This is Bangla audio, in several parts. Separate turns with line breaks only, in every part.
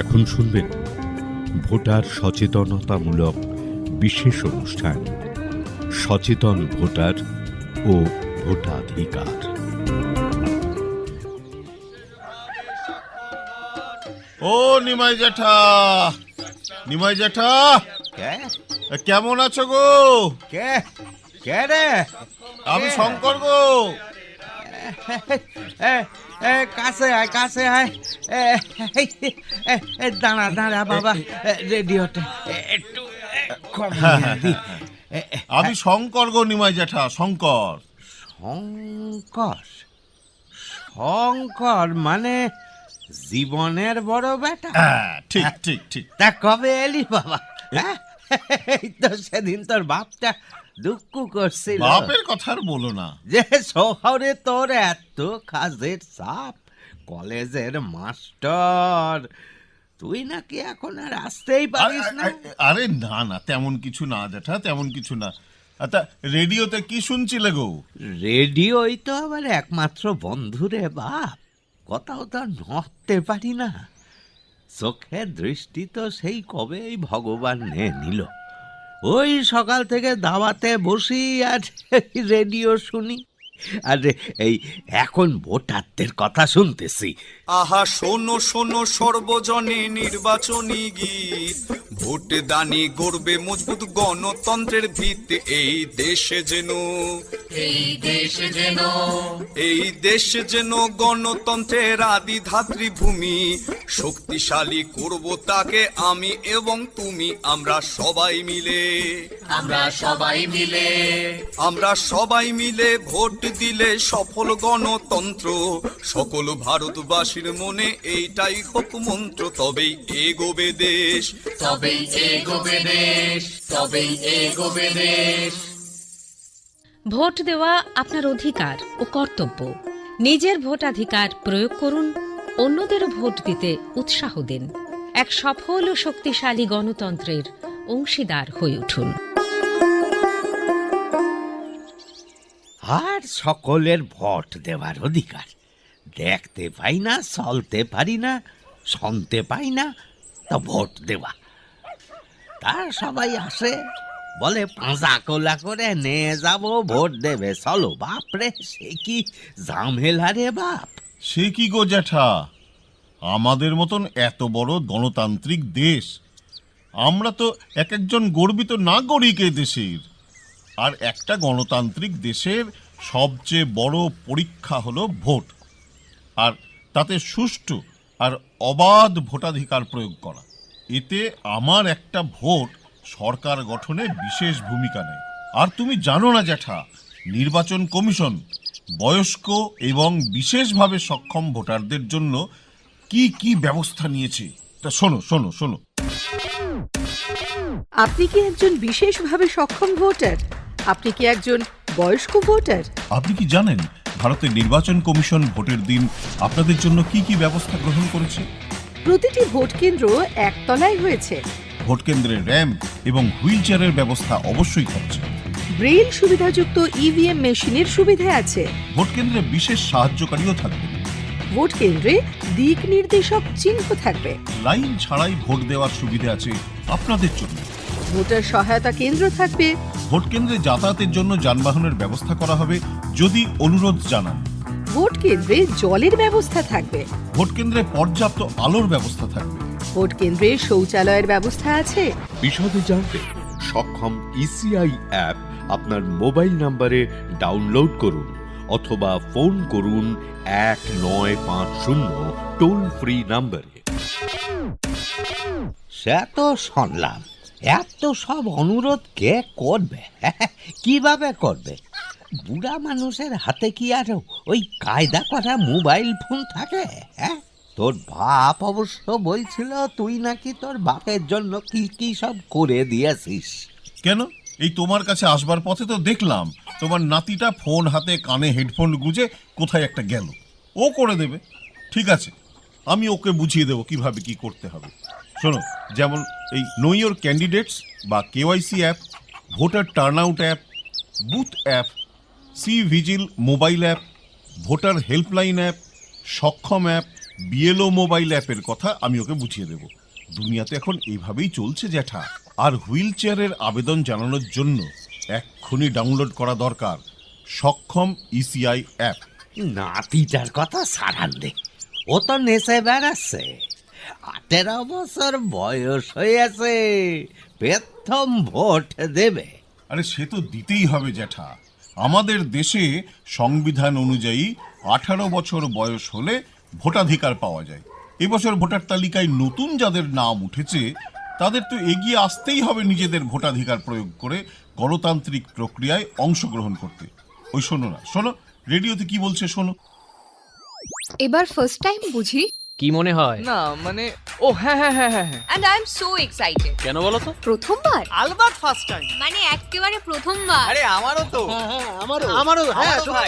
এখন শুনবেন ভোটার সচেতনতামূলক বিশেষ অনুষ্ঠান সচেতন ভোটার ও ভোটাধিকার।
ও নিমাই জ্যাঠা, নিমাই জ্যাঠা, কেমন আছো গো?
কে কে রে?
আমি শঙ্কর গো।
কাছে আয়, কাছে আয়। দাঁড়া দাঁড়া বাবা, রেডিওটা একটু কমিয়ে দি।
আমি শঙ্কর গো নিমাই জ্যাঠা, শঙ্কর।
শঙ্কর? শঙ্কর মানে জীবনের বড় বেটা?
ঠিক ঠিক ঠিক।
তা কবে এলি বাবা? এই তো সেদিন তোর বাপটা দুঃখ করছিল।
বাপের কথা আর বলো না,
যে শহরে তোর এত কাজের চাপ, কলেজের মাস্টার, তুই নাকি এখন আর আসতেই পারিস না।
আরে না না, তেমন কিছু না জ্যাঠা, তেমন কিছু না। আচ্ছা, রেডিওতে কি শুনছিলে গো?
রেডিওই তো আবার একমাত্র বন্ধুরে বাপ, কোথাও তো নড়তে পারি না। চোখের দৃষ্টি তো সেই কবেই ভগবান নিল। ওই সকাল থেকে দাওয়াতে বসি আর রেডিও শুনি, আর এই এখন ভোটারদের কথা শুনতেছি।
আহা শোনো শোনো সর্বজনে নির্বাচনী গীত, ভোট দানি গড়বে মজবুত গণতন্ত্রের ভিত। এই দেশে যেন এই দেশ যেন গণতন্ত্রের আদি ধাত্রী ভূমি, শক্তিশালী করব তাকে আমি এবং তুমি। আমরা সবাই মিলে ভোট দিলে সফল গণতন্ত্র, সকল ভারতবাসীর মনে এইটাই হোক মন্ত্র। তবেই এগোবে দেশ।
ভোট দেওয়া আপনার অধিকার ও কর্তব্য। নিজের ভোটাধিকার প্রয়োগ করুন, অন্যদেরও ভোট দিতে উৎসাহ দিন। এক সফল ও শক্তিশালী গণতন্ত্রের অংশীদার হয়ে উঠুন।
আর সকলের ভোট দেওয়ার অধিকার। দেখতে পাই না, চলতে পারি না, শুনতে পাই না, তা ভোট দেওয়া। তার সবাই আসে, বলে পাঁজা কোলা করে নিয়ে যাবো, ভোট দেবে, চলো। বাপরে, সে কি ঝামেলা রে বাপ।
সে কি গো জ্যাঠা, আমাদের মতন এত বড় গণতান্ত্রিক দেশ, আমরা তো এক একজন গর্বিত নাগরিক এই দেশের। আর একটা গণতান্ত্রিক দেশের সবচেয়ে বড় পরীক্ষা হলো ভোট, আর তাতে সুষ্ঠু আর অবাধ ভোটাধিকার প্রয়োগ করা। এতে আমার একটা ভোট সরকার গঠনে বিশেষ ভূমিকা নেয়। আর তুমি জানো না জ্যাঠা, নির্বাচন কমিশন বয়স্ক এবং বিশেষভাবে সক্ষম ভোটারদের জন্য কি কি ব্যবস্থা নিয়েছে, তা শোনো শোনো শোনো।
আপনি কি একজন বিশেষভাবে সক্ষম ভোটার? আপনি কি একজন বয়স্ক ভোটার?
আপনি কি জানেন ভারতের নির্বাচন কমিশন ভোটের দিন আপনাদের জন্য কি কি ব্যবস্থা গ্রহণ করেছে?
প্রতিটি ভোট কেন্দ্র একতলায় হয়েছে।
ভোট কেন্দ্রের র্যাম্প এবং হুইল চেয়ারের ব্যবস্থা অবশ্যই থাকছে।
ব্রেইল সুবিধাযুক্ত ইভিএম মেশিনের সুবিধা আছে।
ভোট কেন্দ্রে বিশেষ সাহায্যকারীও থাকবে।
ভোট কেন্দ্রে দিক নির্দেশক চিহ্ন থাকবে।
লাইন ছাড়াই ভোট দেওয়ার সুবিধা আছে আপনাদের জন্য।
ভোটার সহায়তা কেন্দ্র থাকবে।
ভোট কেন্দ্রে যাতায়াতের জন্য যানবাহনের ব্যবস্থা করা হবে যদি অনুরোধ জানান।
ভোট কেন্দ্রে জলের ব্যবস্থা থাকবে।
ভোট কেন্দ্রে পর্যাপ্ত আলোর ব্যবস্থা থাকবে।
ভোট কেন্দ্রে শৌচালয়ের ব্যবস্থা আছে।
বিশদে জানতে সক্ষম ইসিআই অ্যাপ আপনার মোবাইল নম্বরে ডাউনলোড করুন অথবা ফোন করুন 1950 টোল ফ্রি নম্বরে।
সে তো শুনলাম, এত সব অনুরোধ কে করবে, কিভাবে করবে? বুড়া মানুষের হাতে কি আর ওই কায়দা করা মোবাইল ফোন থাকে? হ্যাঁ, তোর বাপ অবশ্য বলছিল তুই নাকি তোর বাপের জন্য কি কি সব করে দিয়েছিস।
কেন, এই তোমার কাছে আসবার পথে তো দেখলাম তোমার নাতিটা ফোন হাতে কানে হেডফোন গুঁজে কোথায় একটা গেল। ও করে দেবে, ঠিক আছে, আমি ওকে বুঝিয়ে দেবো কিভাবে কি করতে হবে। শোনো, যেমন এই নো ইয়োর ক্যান্ডিডেটস বা KYC app, voter turnout app, booth app, cVIGIL mobile app, voter helpline app, Saksham app, BLO mobile অ্যাপের কথা আমি ওকে বুঝিয়ে দেব। দুনিয়াতে এখন এইভাবেই চলছে জ্যাঠা। আর হুইল চেয়ারের আবেদন জানানোর জন্য এক্ষুনি ডাউনলোড করা দরকার সক্ষম ইসিআই অ্যাপ।
নাতিটার কথা সারান দে, ও তো নেশে বেড়াচ্ছে। 18 বছর বয়স হয়েছে, প্রথম ভোট দেবে।
আরে সে তো দিতেই হবে জ্যাঠা। আমাদের দেশে সংবিধান অনুযায়ী 18 বছর বয়স হলে ভোটাধিকার পাওয়া যায়। এবছর ভোটার তালিকায় নতুন যাদের নাম উঠেছে তাদের তো এগিয়ে আসতেই হবে নিজেদের ভোটাধিকার প্রয়োগ করে গণতান্ত্রিক প্রক্রিয়ায় অংশগ্রহণ করতে। ওই শোনো না, শোনো রেডিওতে কি বলছে শোনো।
এবার ফার্স্ট টাইম বুঝি?
কি মনে হয়?
না মানে ও হ্যাঁ হ্যাঁ হ্যাঁ হ্যাঁ
and I am so excited.
কেন বলো তো?
প্রথমবার?
আলবাত ফার্স্ট টাইম।
মানে একেবারে প্রথমবার।
আরে আমারও তো।
হ্যাঁ আমারও
হ্যাঁ
ভাই।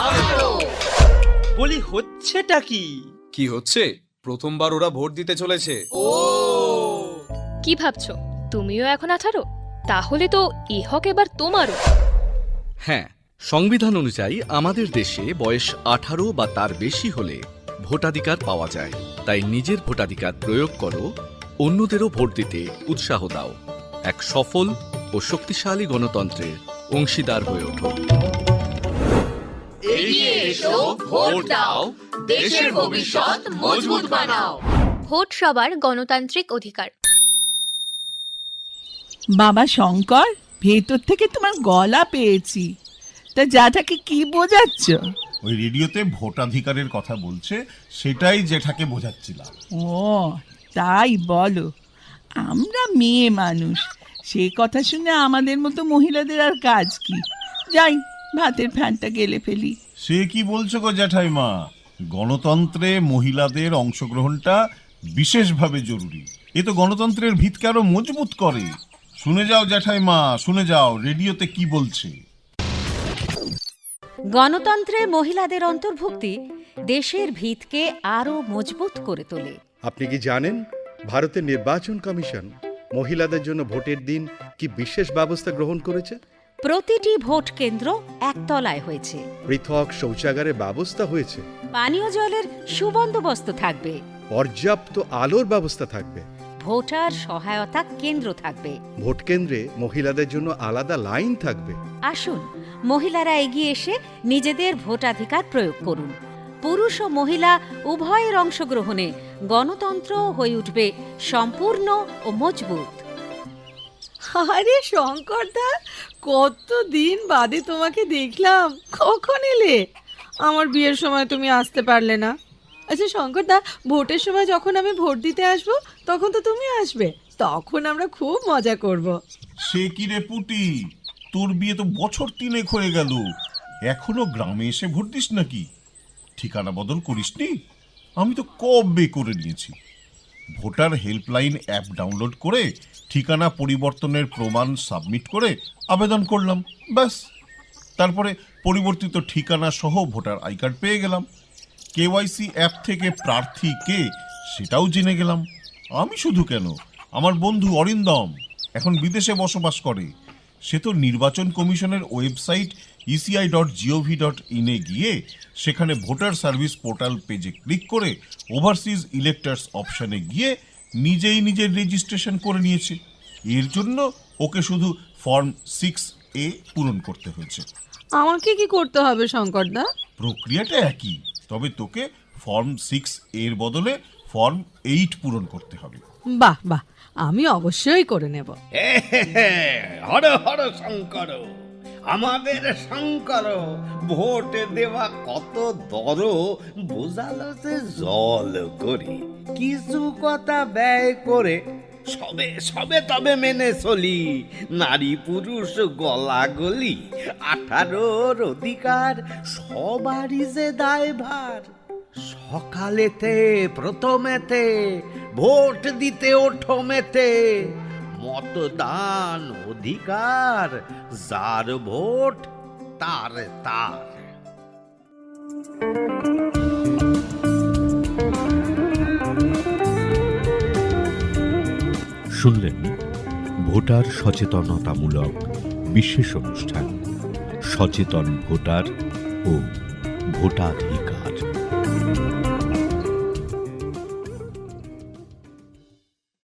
বলি হচ্ছেটা কি?
কি হচ্ছে? প্রথমবার ওরা ভোট দিতে চলেছে।
কি ভাবছো তুমিও এখন 18? তাহলে তো এ হক এবার তোমারও।
হ্যাঁ, সংবিধান অনুযায়ী আমাদের দেশে বয়স 18 বা তার বেশি হলে ভোটাধিকার পাওয়া যায়। তাই নিজের ভোটাধিকার প্রয়োগ করো, অন্যদেরও ভোট দিতে উৎসাহ দাও। এক সফল ও শক্তিশালী গণতন্ত্রের অংশীদার হয়ে ওঠো।
এগিয়ে এসো, ভোট দাও, দেশের ভবিষ্যৎ মজবুত বানাও। ভোট সবার গণতান্ত্রিক অধিকার।
বাবা শঙ্কর, ভেতর থেকে তোমার গলা পেয়েছি, তা জ্যাঠাকে কি বোঝাচ্ছ?
ওই রেডিওতে ভোটাধিকারের কথা বলছে, সেটাই জ্যাঠাকে বোঝাচ্ছিলাম।
ও তাই বলো। আমরা মেয়ে মানুষ, সে কথা শুনে আমাদের মতো মহিলাদের আর কাজ কি? যাই ভাতের ফ্যানটা গেলে ফেলি।
সে কি বলছো গো জ্যাঠাইমা? গণতন্ত্রে মহিলাদের অংশগ্রহণটা বিশেষভাবে জরুরি। এ তো গণতন্ত্রের ভিতকে আরো মজবুত করে। শুনে যাও জ্যাঠাইমা, শুনে যাও রেডিওতে কি বলছে।
গণতন্ত্রে মহিলাদের অন্তর্ভুক্তি দেশের ভিতকে আরও মজবুত করে তোলে।
আপনি কি জানেন ভারতের নির্বাচন কমিশন মহিলাদের জন্য ভোটের দিন কি বিশেষ ব্যবস্থা গ্রহণ করেছে?
প্রতিটি ভোট কেন্দ্র একতলায় হয়েছে,
পৃথক শৌচাগারের ব্যবস্থা হয়েছে,
পানীয় জলের সুবন্দোবস্ত থাকবে,
পর্যাপ্ত আলোর ব্যবস্থা থাকবে,
ভোটার সহায়তা কেন্দ্র থাকবে,
ভোট কেন্দ্রে মহিলাদের জন্য আলাদা লাইন থাকবে।
আসুন মহিলারা এগিয়ে এসে নিজেদের ভোটাধিকার প্রয়োগ করুন। পুরুষ ও মহিলা উভয়ের অংশগ্রহণে গণতন্ত্র হয়ে উঠবে সম্পূর্ণ ও মজবুত।
আরে শঙ্করদা, কতদিন বাদে তোমাকে দেখলাম। কখন এলে? আমার বিয়ের সময় তুমি আসতে পারলে না। আচ্ছা শঙ্করদা, ভোটের সময় যখন আমি ভোট দিতে আসবো তখন তো তুমি আসবে, তখন আমরা খুব মজা করব।
সে কি রে পুটি, তোর বিয়ে তো বছর 3 হয়ে গেল, এখনো গ্রামে এসে ভোট দিস নাকি? ঠিকানা বদল করিসনি? আমি তো কবে করে নিয়েছি। ভোটার হেল্পলাইন অ্যাপ ডাউনলোড করে ঠিকানা পরিবর্তনের প্রমাণ সাবমিট করে আবেদন করলাম, ব্যাস। তারপরে পরিবর্তিত ঠিকানা সহ ভোটার আই কার্ড পেয়ে গেলাম। কেওয়াইসি অ্যাপ থেকে প্রার্থী কে সেটাও জেনে গেলাম। আমি শুধু কেন, আমার বন্ধু অরিন্দম এখন বিদেশে বসবাস করে। সে তো নির্বাচন কমিশনের ওয়েবসাইট eci.gov.in এ গিয়ে সেখানে ভোটার সার্ভিস পোর্টাল পেজে ক্লিক করে ওভারসিজ ইলেক্টার্স অপশানে গিয়ে নিজেই নিজের রেজিস্ট্রেশন করে নিয়েছে। এর জন্য ওকে শুধু ফর্ম 6A পূরণ করতে হয়েছে।
আমাকে কি করতে হবে শঙ্করদা?
প্রক্রিয়াটা একই, তবে তোকে ফর্ম 6 এর বদলে ফর্ম 8 পূরণ করতে হবে।
বাহ বাহ, আমি অবশ্যই করে নেব।
হর হর শঙ্কর, আমাদের শঙ্কর ভোট দেওয়া কত দর বোঝালো যে জল করে, কিছু কথা ব্যয় করে সবে সবে তবে মেনে চলি। নারী পুরুষ গলাগলি, 18 অধিকার সবারই যে দায়ভার। সকালেতে প্রথমেতে ভোট দিতে ওঠো মেতে, মতদান অধিকার যার ভোট তার তার।
শুনলেন ভোটার সচেতনতামূলক বিশেষ অনুষ্ঠান সচেতন ভোটার ও ভোটাধিকার।